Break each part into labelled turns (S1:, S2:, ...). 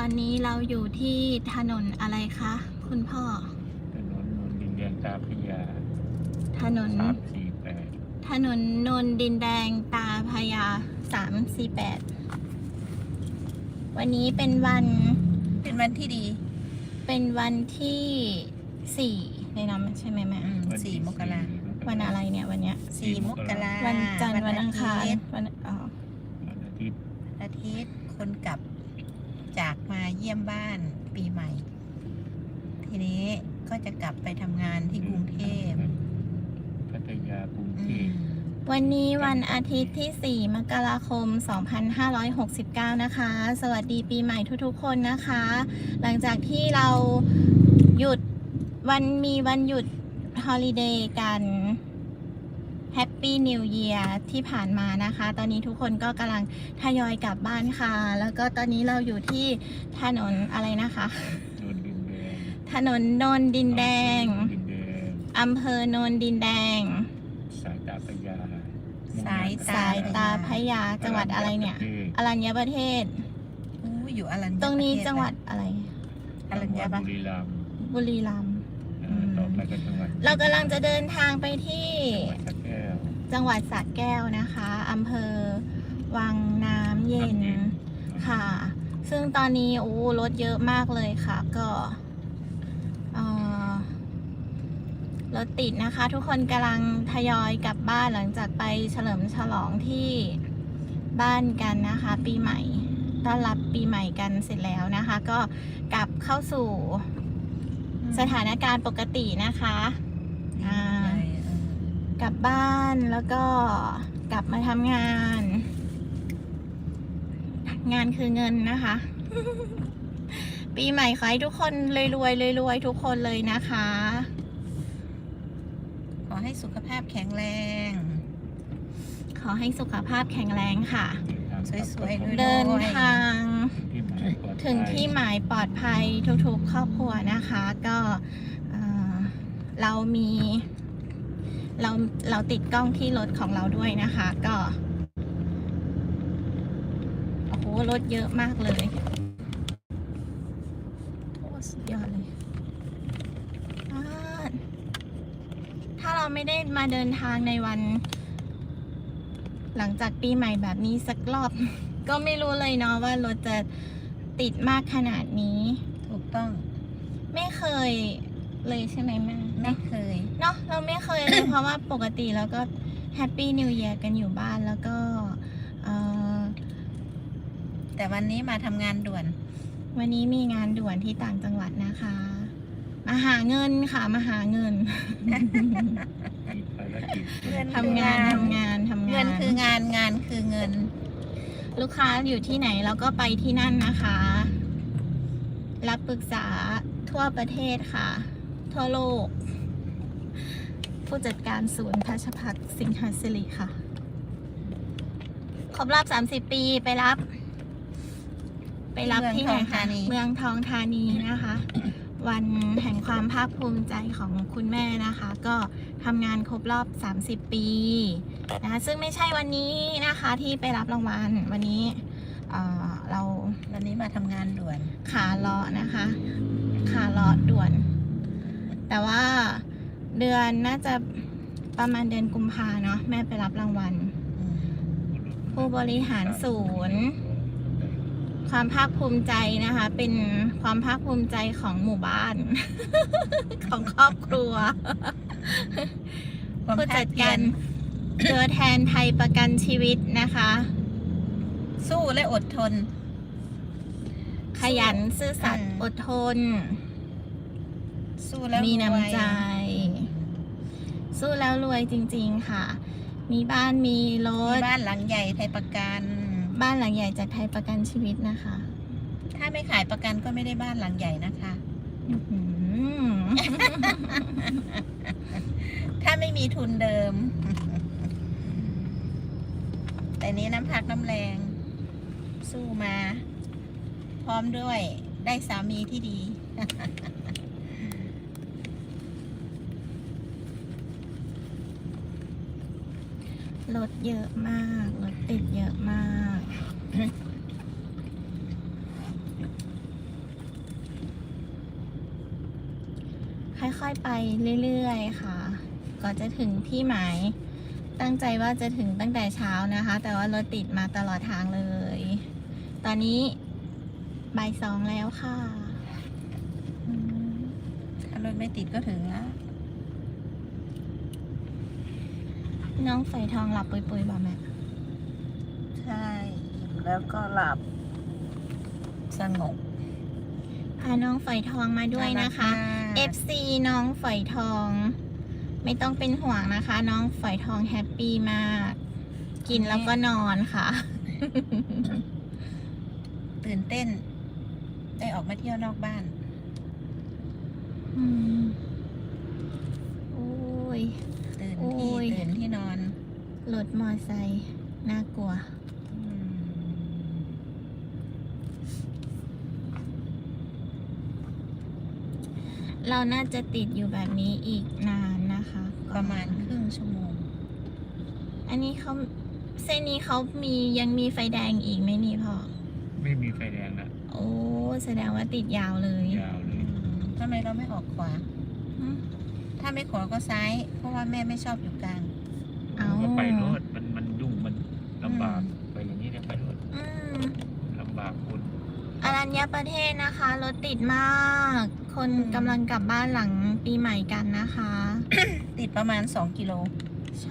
S1: อนนี้เราอยู่ที่ถนนอะไรคะคุณพ่อ
S2: ถนนนนดินแดงตาพระยา
S1: ถนน
S2: 348
S1: ถนนนนดินแดงตาพระยา348วันนี้เป็นวัน
S3: ที่ดี
S1: เป็นวันที่4ในนั้นใช่ไหมแม่
S3: 4 มกรา
S1: วันอะไรเนี่ยวันเนี้ย
S3: 4 มกรา
S1: วันจันทร์วันอังคาร
S3: วัน
S2: วันอาทิตย์
S3: อาทิตย์คนกลับจากมาเยี่ยมบ้านปีใหม่ ทีนี้ก็จะกลับไปทำงานที่กรุงเทพ
S2: พัทยากรุงเทพ
S1: วันนี้วันอาทิตย์ที่ 4 มกราคม 2569 นะคะ สวัสดีปีใหม่ทุกๆคนนะคะ หลังจากที่เราหยุดมีวันหยุดฮอลิเดย์กัน Happy New Year ที่ผ่านมานะคะ ตอนนี้ทุกคนก็กำลังทยอยกลับบ้านค่ะ แล้วก็ตอนนี้เราอยู่ที่ถนนอะไรนะคะ
S2: นนดินแดง
S1: ถนนนนดินแดง
S2: ดินแดง
S1: อำเภอโนนดินแดง
S2: สายตาพระยา
S3: สาย
S1: สายตาพระยาจังหวัดอะไรเนี่ยอรัญญประเทศ
S3: อยู่อรัญญประเทศ
S1: ตรงนี้จังหวัดอะไร
S3: อรัญญประ
S2: บุ
S3: เทศ
S2: รีรัมย์
S1: บุรีรัมย์
S2: ต่อไปก็จังหวัด
S1: เรากำลังจะเดินทางไปที่
S2: จังหวัดสระแก้ว
S1: จังหวัดสระแก้วนะคะอำเภอวังน้ำเย็นค่ะ ซึ่งตอนนี้รถเยอะมากเลยค่ะ ก็รถติดนะคะ ทุกคนกำลังทยอยกลับบ้านหลังจากไปเฉลิมฉลองที่บ้านกันนะคะ ปีใหม่ต้อนรับปีใหม่กันเสร็จแล้วนะคะ ก็กลับเข้าสู่สถานการณ์ปกตินะคะกลับบ้านแล้วก็กลับมาทำงาน งานคือเงินนะคะ ปีใหม่ขอให้ทุกคนรวยทุกคนเลยนะคะ
S3: ขอให้สุขภาพแข็งแรง
S1: ขอให้สุขภาพแข็งแรงค่ะ
S3: สวยๆ
S1: เดินทาง
S2: ถึงที่หมายปลอดภัย
S1: ถึงที่หมายปลอดภัยทุกๆครอบครัวนะคะ ก็เราติดกล้องที่รถของเราด้วยนะคะ ก็โอ้โหรถเยอะมากเลยโอ้สุดยอดเลยถ้าเราไม่ได้มาเดินทางในวัน หลังจากปีใหม่แบบนี้สักรอบ ก็ไม่รู้เลยเนาะว่ารถจะติดมากขนาดนี้
S3: ถูกต้อง
S1: ไม่เคยเลยใช่ไหมแม่
S3: ไม่เคย
S1: เนาะเราไม่เคยเลย เพราะว่าปกติเราก็แฮปปี้นิว e ย r กันอยู่บ้านแล้วก็
S3: แต่วันนี้มาทำงานด่วน
S1: วันนี้มีงานด่วนที่ต่างจังหวัดนะคะมาหาเงินค่ะมาหาเงิน ทำงาน
S3: เงินคืองานงานคือเงิน
S1: ลูกค้าอยู่ที่ไหนเราก็ไปที่นั่นนะคะ รับปรึกษาทั่วประเทศค่ะ ทั่วโลก ผู้จัดการศูนย์พัชพัฒน์สิงหศิริค่ะ ครบรอบ30 ปีไปรับที่ไหนคะเมืองทองธานีนะคะ วันแห่งความภาคภูมิใจของคุณแม่นะคะ ก็ทำงานครบรอบ30 ปีนะคะซึ่งไม่ใช่วันนี้นะคะที่ไปรับรางวัลวันนี้
S3: วันนี้มาทำงานด่วน
S1: ขาเลาะนะคะขาเลาะด่วน แต่ว่าเดือนน่าจะประมาณเดือนกุมภาเนาะแม่ไปรับรางวัลผู้บริหารศูนย์ความภาคภูมิใจนะคะ เป็นความภาคภูมิใจของหมู่บ้าน ของครอบครัว ผู้จัดการตัวแทนไทยประกันชีวิตนะคะ
S3: สู้และอดทน
S1: ขยันซื่อสัตย์อดทน
S3: สู้แล้ว
S1: มีน้ำใจ สู้แล้วรวยจริงๆค่ะ มีบ้านมีร
S3: มี
S1: ถ
S3: บ้านหลังใหญ่ไทยประกัน
S1: บ้านหลังใหญ่จากไทยประกันชีวิตนะคะ
S3: ถ้าไม่ขายประกันก็ไม่ได้บ้านหลังใหญ่นะคะ
S1: อื้อหือ
S3: ถ้าไม่มีทุนเดิม แต่นี้น้ำพักน้ำแรง สู้มา พร้อมด้วยได้สามีที่ดี
S1: รถเยอะมากรถติดเยอะมากค่อยๆไปเรื่อยๆค่ะก่อนจะถึงที่หมายตั้งใจว่าจะถึงตั้งแต่เช้านะคะ แต่ว่ารถติดมาตลอดทางเลย ตอนนี้บ่าย 2แล้วค่ะ
S3: ถ้ารถไม่ติดก็ถึงแล้ว
S1: น้องฝอยทองหลับปุยๆบ่แม่
S3: ใช่แล้วก็หลับสงบ
S1: พาน้องฝอยทองมาด้วยนะคะ FC น้องฝอยทอง ไม่ต้องเป็นห่วงนะคะ น้องฝอยทองแฮปปี้มาก กินแล้วก็นอนค่ะ
S3: ตื่นเต้น ได้ออกมาเที่ยวนอกบ้าน
S1: อืมโอ้ย
S3: ตื่น
S1: โอ้
S3: ที่
S1: ย
S3: ตื่นที่นอน
S1: รถมอไซค์น่ากลัว เราน่าจะติดอยู่แบบนี้อีกนานนะคะ
S3: ประมาณครึ่งชั่วโมง
S1: อันนี้เขาเส้นนี้เขายังมีไฟแดงอีกไหมนี่พ่อ
S2: ไม่มีไฟแดงนะ
S1: โอ้แสดงว่าติดยาวเลย
S2: ยาวเลย
S3: ทำไมเราไม่ออกขวา
S1: อืม
S3: ถ้าไม่ขวาก็ซ้าย เพราะว่าแม่ไม่ชอบอยู่กลาง
S1: เอา
S2: ก็ไปรถมันยุ่งมันลำบากไปอย่างนี้เนี่ยไปรถ
S1: อืม
S2: ลำบากคน
S1: อรัญญประเทศนะคะรถติดมาก คนกำลังกลับบ้านหลังปีใหม่กันนะคะ
S3: ติดประมาณ2 กิโล
S1: ใช่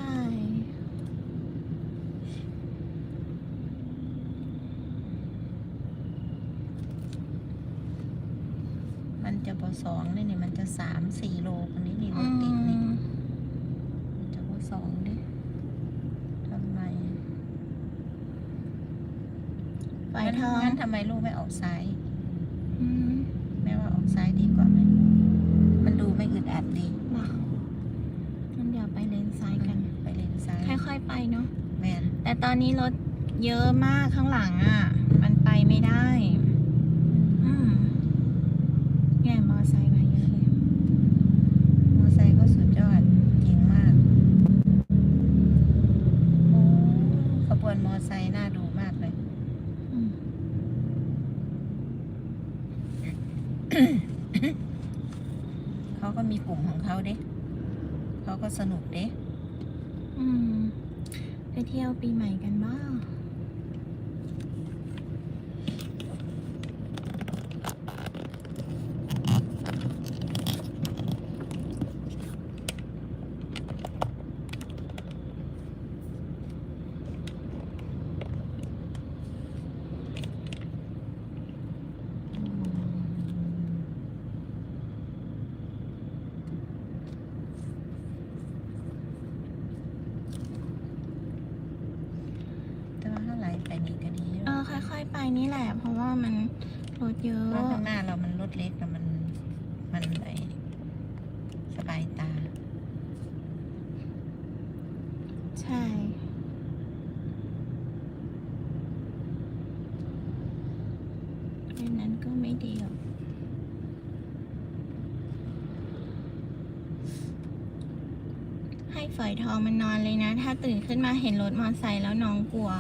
S3: มันจะพอ2นี่มันจะ3-4 โลคนนี้นี่ร
S1: อื
S3: ถติดนี่
S1: ม
S3: มันจะพอ2ดิทำไม
S1: ฝอยทอง
S3: งั้นทำไมลูกไม่ออกซ้าย
S1: อืม
S3: แม่ว่าออกซ้ายดีกว่าไหม มันดูไม่อึดอัดดี
S1: มางั้นเดี๋ยวไปเลนซ้ายกัน
S3: ไปเลนซ้าย
S1: ค่อยๆไปเนาะ
S3: แมน
S1: แต่ตอนนี้รถเยอะมากข้างหลังอ่ะ มันไปไม่ได้ อืมแง่มอไซค์มาเยอะเลย
S3: มอไซค์ก็สุดยอดเก่งมากโอ้ขบวนมอไซค์น่าดูมากเลย
S1: อืม
S3: เขาก็มีกลุ่มของเขาเด้เขาก็สนุกเด้
S1: อืมไปเที่ยวปีใหม่กันบ้าง
S3: แต่ว่าถ้าไหลไปนี่ก็ดีอยู่
S1: ค่อยๆไปนี่แหละ เพราะว่ามันรถเยอะ
S3: เพราะข้างหน้าเรามันรถเล็กแต่มันไหลสบายตา
S1: ใช่ดังนั้นก็ไม่ดีหรอกให้ฝอยทองมันนอนเลยนะ ถ้าตื่นขึ้นมาเห็นรถมอเตอร์ไซค์แล้วน้องกลัว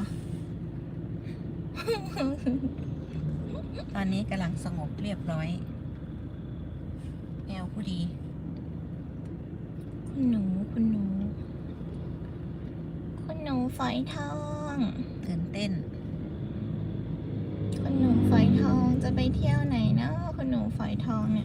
S3: ตอนนี้กำลังสงบเรียบร้อยแมวผู้ดี
S1: คุณหนูคุณหนู คุณหนูฝอยทอง
S3: ตื่นเต้น
S1: คุณหนูฝอยทองจะไปเที่ยวไหนเนาะคุณหนูฝอยทองเนี่ย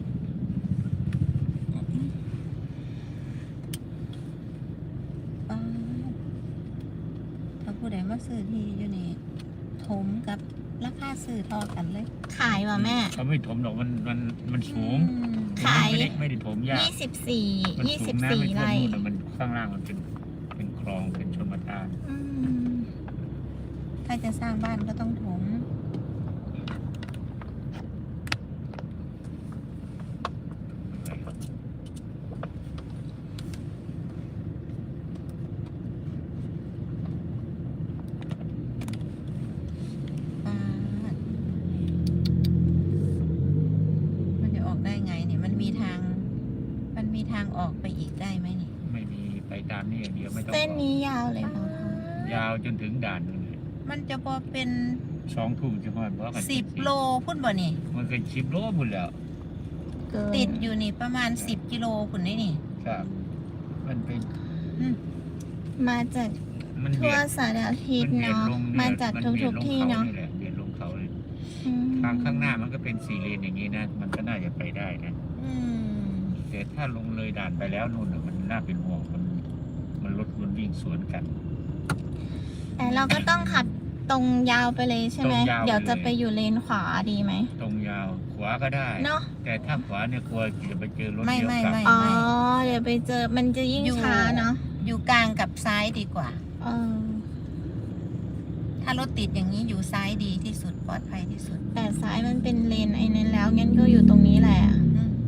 S3: ถ้าผู้ใดมาซื้อที่อยู่นี่ถมกับราคาซื้อทอกันเลย
S1: ขายว่ะแม่
S2: เขาไม่ถมหรอกมันสูง
S1: ขาย
S2: ไม่ได้ถมยาก
S1: ยี่สิบสี่
S2: มันสูงน้ำไม่ท่วม
S1: ไร่
S2: นู่นแต่มันข้างล่างมันเป็นคลองเป็นชลประทาน
S1: อืม
S3: ถ้าจะสร้างบ้านก็ต้องถมมันจะออกได้ไงเนี่ยมันมีทางออกไปอีกได้ไหมนี่
S2: ไม่มีไปตามนี่อย่างเดียวไม่ต้อง
S1: เส้นนี้ยาวเลยป่ะคะ
S2: ยาวจนถึงด่านนู่นเลย
S3: มันจะพอเป็น
S2: 2 ทุ่มจะพอดเพราะกัน
S3: 10 โลพุ่นบ่นี่
S2: มันก็10 โลหมดแล้ว
S1: เกิน
S3: ติดอยู่นี่ประมาณ10 กิโลคุณนี่นี่
S2: ครับ มันเป็น
S3: อืม
S1: มาจาก
S2: มัน
S1: ทั่วสารทิศ
S2: มันเบียด
S1: เนาะ
S2: ลง
S1: มาจากทุกที่เนาะ
S2: เบียดลงเขาเลย
S1: อืม
S2: ทางข้างหน้ามันก็เป็น4 เลนอย่างนี้นะ มันก็น่าจะไปได้นะ
S3: อืม
S2: แต่ถ้าลงเลยด่านไปแล้วนู่นน่ะมันน่าเป็นห่วงมันรถมันวิ่งสวนกัน
S1: แต่เราก็ต้องขับตรงยาวไปเลยใช่ไหม
S2: ตรงยาวไปเลย
S1: เดี๋ยวจะไปอยู่เลนขวาดีไหม
S2: ตรงยาวขวาก็ได้
S1: เนาะ
S2: แต่ถ้าขวาเนี่ยกลัวจะไปเจอรถ
S3: ไม่
S2: เลี้ยว
S3: ไม่
S2: กลับ
S3: ไม่
S1: อ๋อ เดี๋ยวไปเจอมันจะยิ่ง
S3: อยู่
S1: ช้าเนาะ
S3: อยู่กลางกับซ้ายดีกว่า
S1: เออ
S3: ถ้ารถติดอย่างนี้อยู่ซ้ายดีที่สุดปลอดภัยที่สุด
S1: แต่ซ้ายมันเป็นเลนไอ้นั้นแล้วงั้นก็อยู่ตรงนี้แหละ
S3: อืม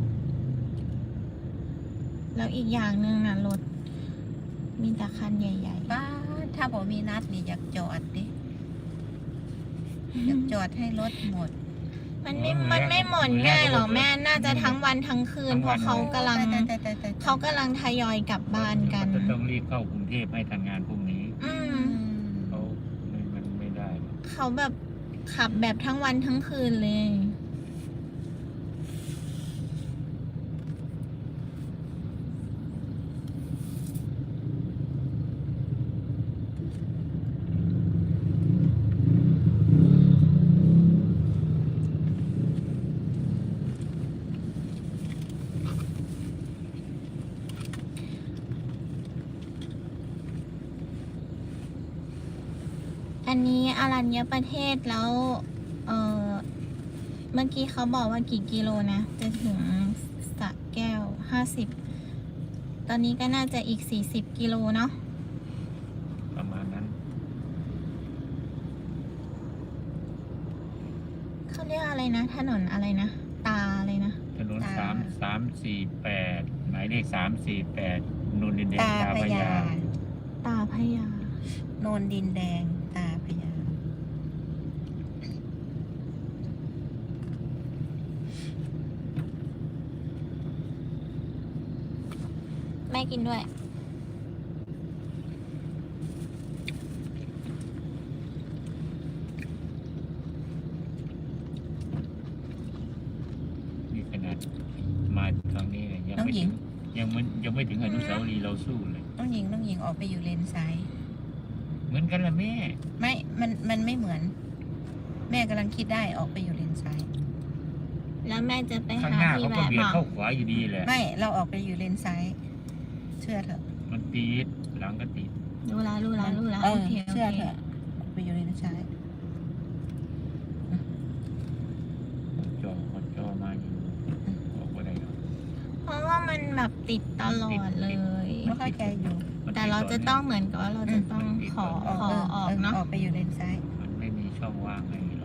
S1: แล้วอีกอย่างหนึ่งนะรถมีแต่คันใหญ่
S3: ป้าดถ้าบอกมีนัดนี่อยากจอดดิ
S1: ๆ
S3: อยากจอดให้รถหมด
S1: มันไม่หมดง่ายหรอกแม่น่าจะทั้งวันทั้งคืนเพราะเขากำลัง
S3: แต่
S1: เขากำลังทยอยกลับบ้านกัน
S2: จะต้องรีบเข้ากรุงเทพให้ทันงานพรุ่งนี้
S1: อืม
S2: เขามันไม่ได้หรอก
S1: เขาแบบขับแบบทั้งวันทั้งคืนเลย อันนี้อรัญญประเทศแล้ว เออเมื่อกี้เขาบอกว่ากี่กิโลนะ จะถึงสระแก้ว50 ตอนนี้ก็น่าจะอีก40 กิโลเนาะ
S2: ประมาณนั้น
S1: เขาเรียกอะไรนะ ถนนอะไรนะ ตาอะไรนะ
S2: ถนน348หมายเลข348นนดินแดง
S3: ตา
S2: ตา
S3: พ
S2: พ
S3: ญา
S2: ญา
S1: ตาพญา
S3: โนนดินแดงตาพญา
S1: แม่กินด้วย
S2: นี่ขนาดมาทางนี้เนี่ยยังไม่ถึงอนุสาวรีย์เราสู้เลย
S3: น้องหญิงออกไปอยู่เลนซ้าย
S2: เหมือนกันละแม่
S3: ไม่มันไม่เหมือน แม่กำลังคิดได้ออกไปอยู่เลนซ้าย
S1: แล้วแม่จะไป
S2: ข้าง
S1: หา
S2: หน้า
S1: ที่
S2: เขาก็
S1: แวะ
S2: เบียด
S1: บอก
S2: เข้าขวาอยู่ดีแหละ
S3: ไม่เราออกไปอยู่เลนซ้าย เชื่อเถอะ
S2: มันตีดหลังก็ตีด
S1: รู้ละ
S3: เอ
S1: โอ
S3: อ
S1: เคโอ
S3: เชื่อ
S1: เค
S3: เถอะออกไปอยู่เลนซ้าย
S2: ขอจอมาอยู่บอกว่าได้หรอก
S1: เพราะว่ามันแบบติดตลอดเลย
S3: ไม่เข้าใจอยู่
S2: มัน
S1: แต่เราจะต้องเหมือนกับว่าเราจะต้องขอออกเนาะ
S3: ออกไปอยู่เลนซ้าย
S2: มันไม่มีช่องว่างให้เรา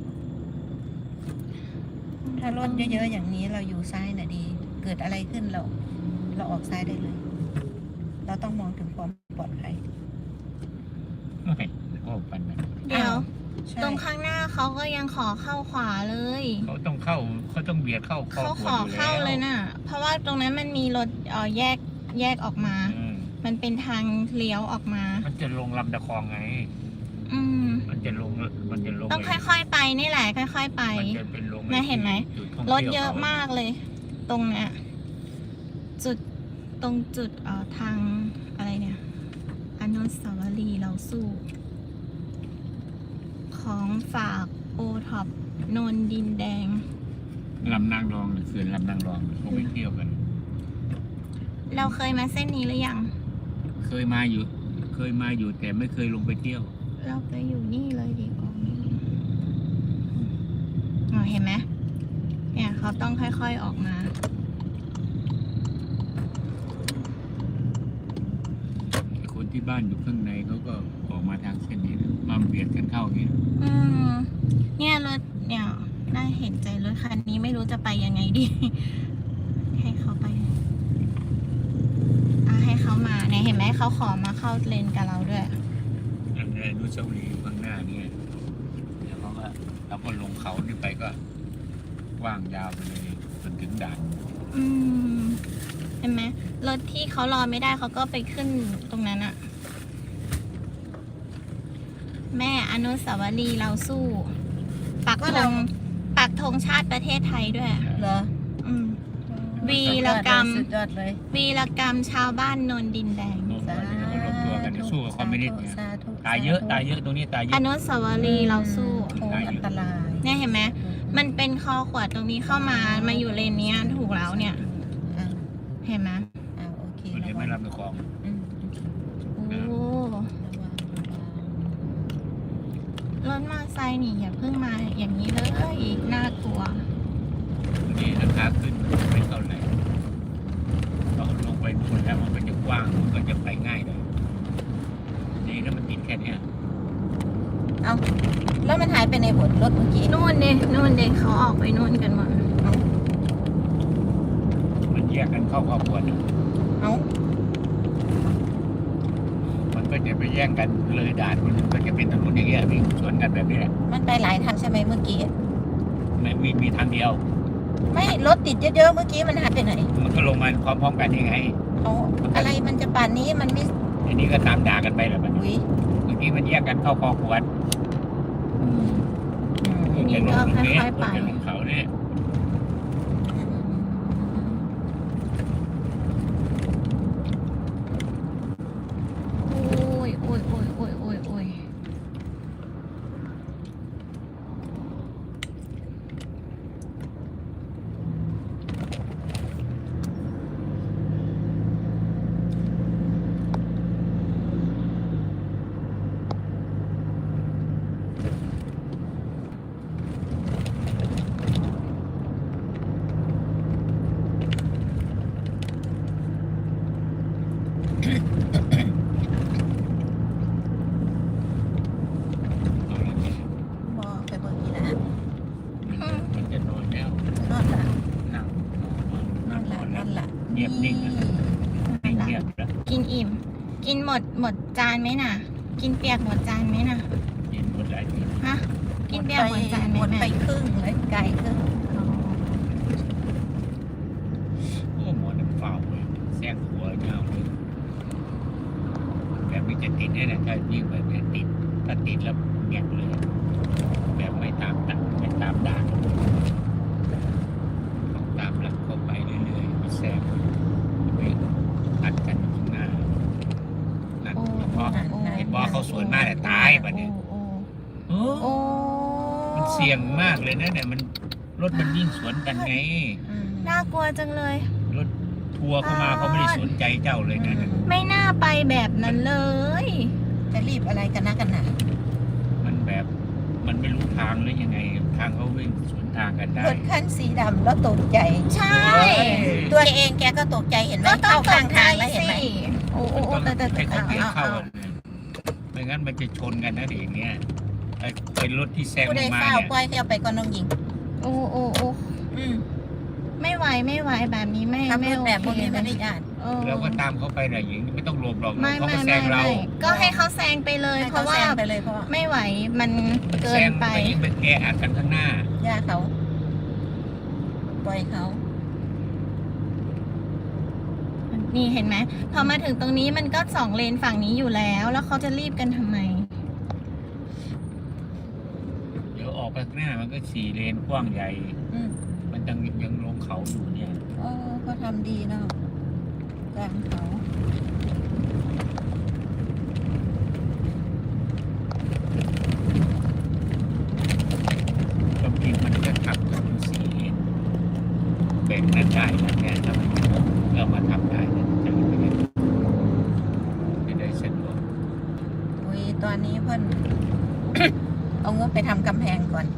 S3: ถ้ารถเยอะๆอย่างนี้เราอยู่ซ้ายน่ะดี เกิดอะไรขึ้นเราออกซ้ายได้เลย เราต้องมองถึงความปลอดภัย
S2: ไม่ก็ปันนะ
S1: เดี๋ยว
S3: ใช่
S1: ตรงข้างหน้าเขาก็ยังขอเข้าขวาเลย
S2: เขาต้องเบียดเข้าคอ
S1: เขา
S2: ข
S1: ข
S2: ว
S1: อ
S2: อยู่
S1: เข้าเลย
S2: แล้ว
S1: น่ะ เพราะว่าตรงนั้นมันมีรถแยกออกมา มันเป็นทางเลี้ยวออกมา
S2: มันจะลงลำตะคองไง
S1: อืม
S2: มันจะลง
S1: ต้องค่อยๆไปนี่แหละ ค่อยๆไป
S2: มันจะเป็นลง
S1: แม่เห็นไหม
S2: จุดท่ง
S1: รถ
S2: ที่ว
S1: เยอะ
S2: ข
S1: มากเลย ตรงเนี้ยตรงจุดทางอะไรเนี่ยอนุสาวรีย์เราสู้ ของฝากโอท็อปนนดินแดง
S2: ลำนางรองเขื่อนลำนางรองเขาไปเที่ยวกัน
S1: เราเคยมาเส้นนี้หรือยัง
S2: เคยมาอยู่แต่ไม่เคยลงไปเที่ยว
S1: เราไปอยู่นี่เลยดีกว่าเห็นไหมเนี่ยเขาต้องค่อยๆออกมา
S2: คนที่บ้านอยู่ข้างในเขาก็ออกมาทางเส้นนี้นะมาเบียดกันเข้าอย่างนี้
S1: อืมเนี่ยรถเนี่ยน่าเห็นใจรถคันนี้ไม่รู้จะไปยังไงดี ให้เขาไปให้เขามาเนี่ยเห็นไหมเขาขอมาเข้าเลนกับเราด้วย
S2: อันนี้อนุสาวรีย์ข้างหน้านี่เดี๋ยวเราก็ลงเขานี่ไปก็ว่างยาวไปเลยจนถึงด่าน
S1: อืมเห็นไหมรถที่เขารอไม่ได้เขาก็ไปขึ้นตรงนั้นอะแม่อนุสาวรีย์เราสู้ ปักธงชาติประเทศไทยด้วย
S3: เหรอ
S1: ออืม วีรกรรม
S3: สุดยอดเลย
S1: วีรกรรมชาวบ้านนนดินแดง
S2: โน่นเดี๋ยวเขารวมตัวกันสู้กับคอมมิวนิสต์เนี่ย
S3: สาธุ
S2: ตายเยอะตายเยอะตรงนี้ตายเย
S1: อ
S2: อะ
S1: นุสาวรีย์เราสู้
S3: โอ้อันตราย
S1: เนี่ยเห็นไหมมันเป็นคอขวดตรงนี้เข้ามาอยู่เลนเนี้ยถูกแล้วเนี่ย
S3: อ่า
S1: เห็นไหม
S3: โอเค
S2: มันจะไม่รับในของ
S3: อืม
S1: โอ้
S3: ระวัง
S1: รถมอเตอร์ไซค์นี่อย่าเพิ่งมาอย่างนี้เลยน่ากลัว
S2: นี่ราคาขึ้นไม่เท่าไหร่เราลงไปนู่นแล้วมันก็จะกว้างมันก็จะไปง่ายเลยนี่ถ้ามันติดแค่เนี้ย
S3: เอาแล้วมันหายไปในบทรถเมื่อกี้
S1: นู่นเด็กเขาออกไปนู่นกันหมด
S2: มันแยกกันเข้าครอบครัวเนี่ย
S3: เอา
S2: มันก็จะไปแย่งกันเลยด่านมันก็จะเป็นถนนอย่างเงี้ยวิ่งสวนกันแบบนี้แหละ
S3: มันไปหลายทางใช่ไหมเมื่อกี้
S2: ไม่มีทางเดียว
S3: ไม่รถติดเยอะๆเมื่อกี้มันหายไปไหน
S2: มันก็ลงมาพร้อมๆกันยังไง
S3: เอาอะไรมันจะป่านนี้มันไม่
S2: ทีนี้ก็ตามด่ากันไปแล้วมัน
S3: อุ้ย
S2: เมื่อกี้มันแยกกันเข้าคอขวด
S1: ทีนี้
S2: จะล
S1: ก็
S2: งตรงนี้
S1: ค่อยๆไป
S2: จะลงเขาเนี่ย
S1: โอ้ยโอ้ยโอ้ยโอ้ยโอ้ยโอ้ย
S3: บอกไปเบิ่งอีหละ
S2: มันจะนอนแล้ว
S3: นอนละ
S2: นั่ง
S3: นอนละนอนละ
S2: เงียบนิ่งอะนิ่งเงียบแล้ว
S1: กินอิ่ม กินหมดจานไหมน่ะ กินเปียกหมดจานไหมน่ะ
S2: ยินหมดหลายที
S1: ฮะ กินเปียกหมดจานไหม
S3: หมดไป
S1: แม่
S3: ครึ่งเลยไกลครึ่ง
S1: อ๋อ
S2: โอ้หมอน้ำเปล่าเลยแซงหัวเงาเลยแบบนี้จะติดแน่ๆถ้าวิ่งแบบนี้ติดถ้าติดแล้วเงียบเลย แบบไม่ตามด่านต้องตามหลักเข้าไปเรื่อยๆมาแซงไปอัดกันอยู่ข้างหน้านั่น
S1: โอ้
S2: เพราะ เห็นว่าเขาสวนมากแต่ตายบัดเนี่ย
S1: โอ้โอ้
S2: มันเสี่ยงมากเลยนะเนี่ยมันรถมันวิ่งสวนกันไง
S1: น่ากลัวจังเลย
S2: รถทัวร์เข้ามาเขาไม่ได้สนใจเจ้าเลยนะ
S1: ไม่น่าไปแบบนั้นเลย
S3: จะรีบอะไรกันนะกันหนา
S2: มันแบบมันไม่รู้ทางหรือยังไง ทางเขาวิ่งสวนทางกันได้
S3: รถคันสีดำแล้วตกใจ
S1: ใช่
S3: ตัวเองแกก็ตกใจเห็นไหม
S1: ก็ต้อง
S3: เข้า
S1: ต
S3: ข้าง
S1: กใจ
S3: ทางแล้วเห็นไหม
S1: สิโอ้โอ้
S2: มัน
S1: โอ้
S2: ต้อง
S1: แต่
S2: ให้เขาเบรกเข้า
S3: เอา
S2: เลยไม่งั้นมันจะชนกันนะเดี๋ยวอย่างเงี้ยไอ้รถที่แซง
S3: ผู้ใด
S2: มา
S3: เฝ้า
S2: เนี่ย
S3: ปล่อยให้เอาไปก่อนน้องหญิง
S1: โอ้โอ้โอ้
S3: อืม
S1: ไม่ไหวแบบนี้ไม่
S3: ขับ
S1: ไม่
S3: รถ
S1: โอ
S3: แบบพวก
S1: เค
S3: นี้ไม่ได้ญาติ
S1: เออ
S2: เราก็ตามเขาไปนะหญิงไม่ต้องหลบหรอก
S1: ไม่
S2: เขา
S1: ไม่
S2: ก็แซ
S1: ไม่
S2: งเรา
S1: ไม่ก็ให้เขาแซงไปเลย
S3: ให้
S1: เพ
S3: เขา
S1: ราะว่า
S3: แซงไปเลยเพราะว่า
S1: ไม่ไหวมันเกิ
S2: แซ
S1: น
S2: ง
S1: ไป
S2: ไปยิ่งไปแออัดกันข้างหน้า
S3: ย่าเขา ปล่อยเขา
S1: นี่เห็นไหมพอมาถึงตรงนี้มันก็2 เลนฝั่งนี้อยู่แล้ว แล้วเขาจะรีบกันทำไม
S2: เดี๋ยวออกไปข้างหน้ามันก็4 เลนกว้างใหญ่
S3: อืม
S2: มันยังลงเขาอยู่เนี่ย
S3: เออเขาทำดีเนาะกลางเขา
S2: บางทีมันจะขับกัน4 เลนแบ่งนั้นได้นะแค่ถ้ามันเรามาทำได้นะจะได้สะดวก
S3: อุ้ยตอนนี้เพิ่น เอางบไปทำกำแพงก่อน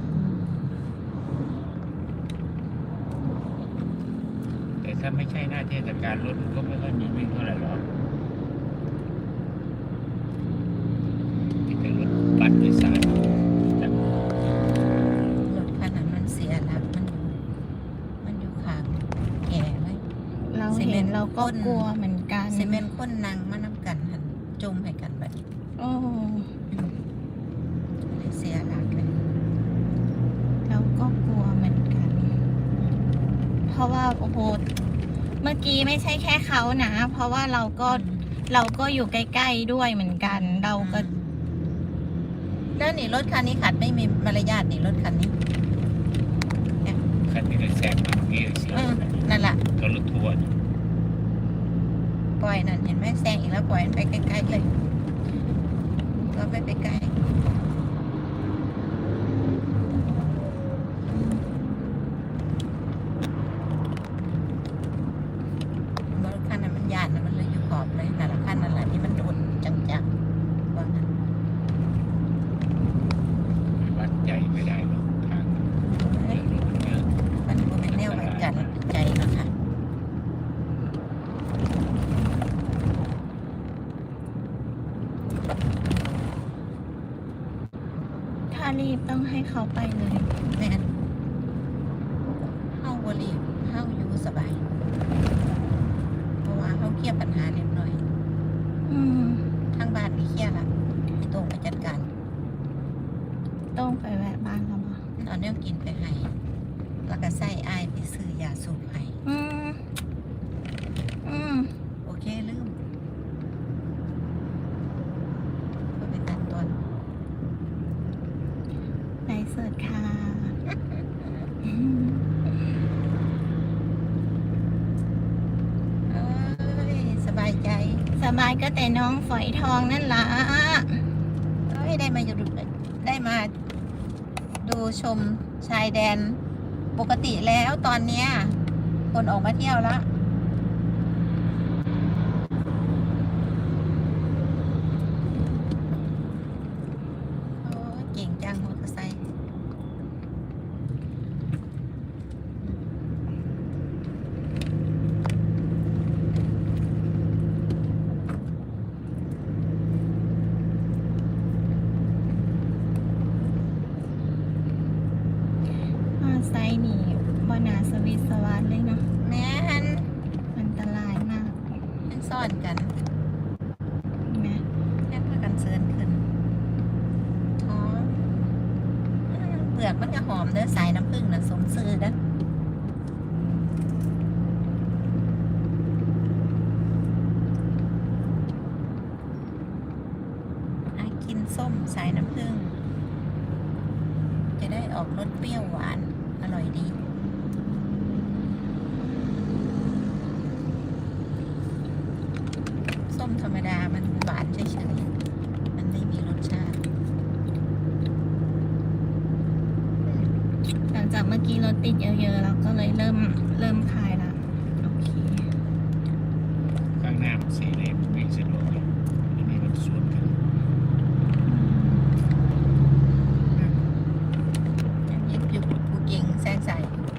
S2: แต่ถ้าไม่ใช่หน้าเทศกาลรถมันก็ไม่ค่อยมีวิ่งเท่าไหร่หรอกที่เป็นรถบัสโดยสารแต่
S3: รถคันนั้นมันเสียหลักมันอยู่ข้างแก่เลย
S1: เรา
S3: ซีเม
S1: เห็
S3: น
S1: น
S3: ต์
S1: เราก็
S3: ก้น
S1: กลัวเหมือนกัน
S3: ซีเมนต์ข้นนางมานำกันหันจมให้กันแบบ
S1: โอ้
S3: เสียหลักเลย
S1: เราก็กลัวเหมือนกัน เพราะว่าโอ้โหเมื่อกี้ไม่ใช่แค่เขานะ เพราะว่าเราก็อยู่ใกล้ๆด้วยเหมือนกัน เราก็
S3: แล้วนี่รถคันนี้ขัดไม่มีมารยาทนี่รถคันนี้เนี่ย
S2: คันที่ได้แซงมาเมื่อกี้เสีย
S3: นั่นแหละ
S2: ก็รถทัวร์
S3: ปล่อยนั่นเห็นไหมแซงอีกแล้วปล่อยมันไปไกลๆเลยก็ไม่ไปไกลรถคันนั้นมันยานนะมันเลยอยู่ขอบเลยนั่นแหละคันนั่นแหละที่มันโดนจังๆว่างั้น
S2: วัดใจไม่ได้หรอกทางเยอะรถเยอะ
S3: มันบ่เป็นแนวไว้กันใจเนาะค่ะ
S1: ถ้ารีบต้องให้เขาไปเลย
S3: แม่นเฮาบ่รีบเฮาอยู่สบาย เพราะว่าเฮาเคลียร์ปัญหาเรียบร้อย
S1: อืม
S3: ทางบ้านนี่เคลียร์ละพี่โต้งไปจัดการ
S1: ต้องไปแวะบ้านเราบ่
S3: เอาแนวกินไปให้ แล้วก็ใส่อ้ายไปซื้อยาสูบให้
S1: อืม อืม
S3: โอเคลืมก็ไปตัดตอน
S1: ไลฟ์สดค่ะ
S3: เอ้ยสบายใจ
S1: สบายก็แต่น้องฝอยทองนั่นล่ะ
S3: เอ้ยได้มาอยู่ได้มาดูชมชายแดนปกติแล้วตอนเนี้ยคนออกมาเที่ยวแล้ว โอ้ยเก่งจังมอเตอร์ไซค์
S1: มอไซค์นี่บนาสวิตสวัสดเลยเนาะ
S3: แม่น
S1: อันตรายมาก
S3: มันซ่อนกัน
S1: เห็นไหม
S3: แค่พากันเซิร์นขึ้นหอมเปลือกมันก็หอมเด้อสายน้ำผึ้งน่ะสมซื้อเด้อกินส้มสายน้ำผึ้งจะได้ออกรสเปรี้ยวหวานอร่อยดี ส้มธรรมดามันหวานเฉยๆ มันไม่มีรสชาติ
S1: หลังจากเมื่อกี้รถติดเยอะๆเราก็เลยเริ่มคลายละโอเค
S2: ข้างหน้ามัน4 เลนวิ่งสะดวกเลยอันนี้มันสวนกัน
S3: ยังยิบอยู่ผู้เก่งแซงใส่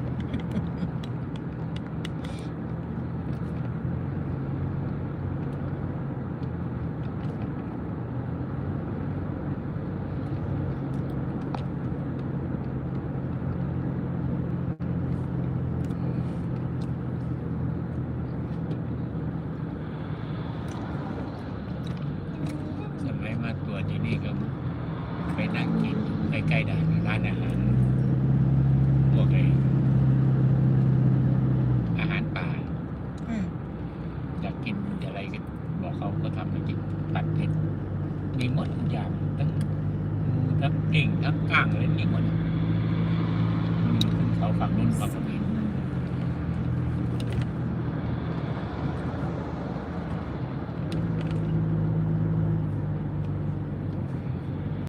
S2: สมัยมาตัวที่นี่ก็ไปนั่งกินอยู่ใกล้ๆด่านร้านอาหารพวกอาหารป่า
S3: อืม
S2: อยากกินอะไรก็บอกเขาก็ทำให้กินผัดเผ็ดมีหมดทุกอย่างทั้งหมูทั้งเก่งทั้งก้างเลยมีหมดขึ้นเขาฝั่งนู้นฝั่งนี้